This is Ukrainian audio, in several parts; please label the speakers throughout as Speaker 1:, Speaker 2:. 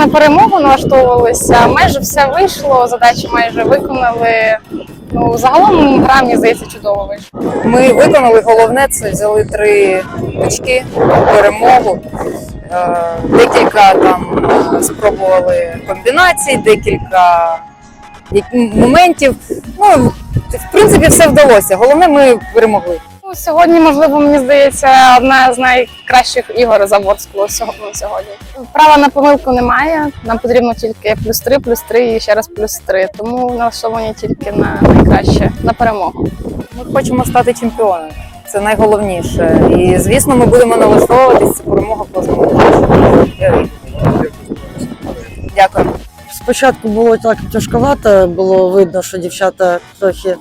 Speaker 1: перемогу налаштовувалися, майже все вийшло, задачі майже виконали. Ну, загалом гра, мені здається, чудово вийшла.
Speaker 2: Ми виконали головне, це взяли 3 очки, перемогу. Декілька там спробували комбінацій, декілька моментів. Ну, в принципі, все вдалося. Головне, ми перемогли.
Speaker 1: Ну, сьогодні, можливо, мені здається, одна з найкращих ігор Заборського сьогодні. Права на помилку немає, нам потрібно тільки +3 і ще раз +3, тому налаштовані тільки на найкраще, на перемогу.
Speaker 2: Ми хочемо стати чемпіонами, це найголовніше. І, звісно, ми будемо налаштовуватися, це перемога кожного матчу. Дякую.
Speaker 3: Спочатку було так тяжковато, було видно, що дівчата трохи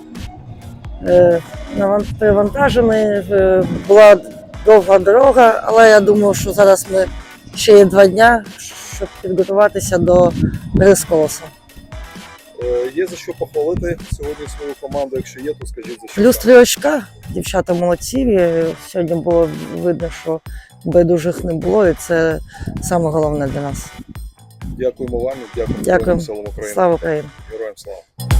Speaker 3: перевантажені, була довга дорога, але я думаю, що зараз ми ще є 2 дня, щоб підготуватися до гри з Колосом.
Speaker 4: Є за що похвалити сьогодні свою команду, якщо є, то скажіть за що.
Speaker 3: +3 очка, дівчата молодці, сьогодні було видно, що байдужих не було, і це саме головне для нас.
Speaker 4: Дякуємо вам і дякуємо
Speaker 3: Дякую.
Speaker 4: Силам України.
Speaker 3: Слава Україні!
Speaker 4: Героям слава!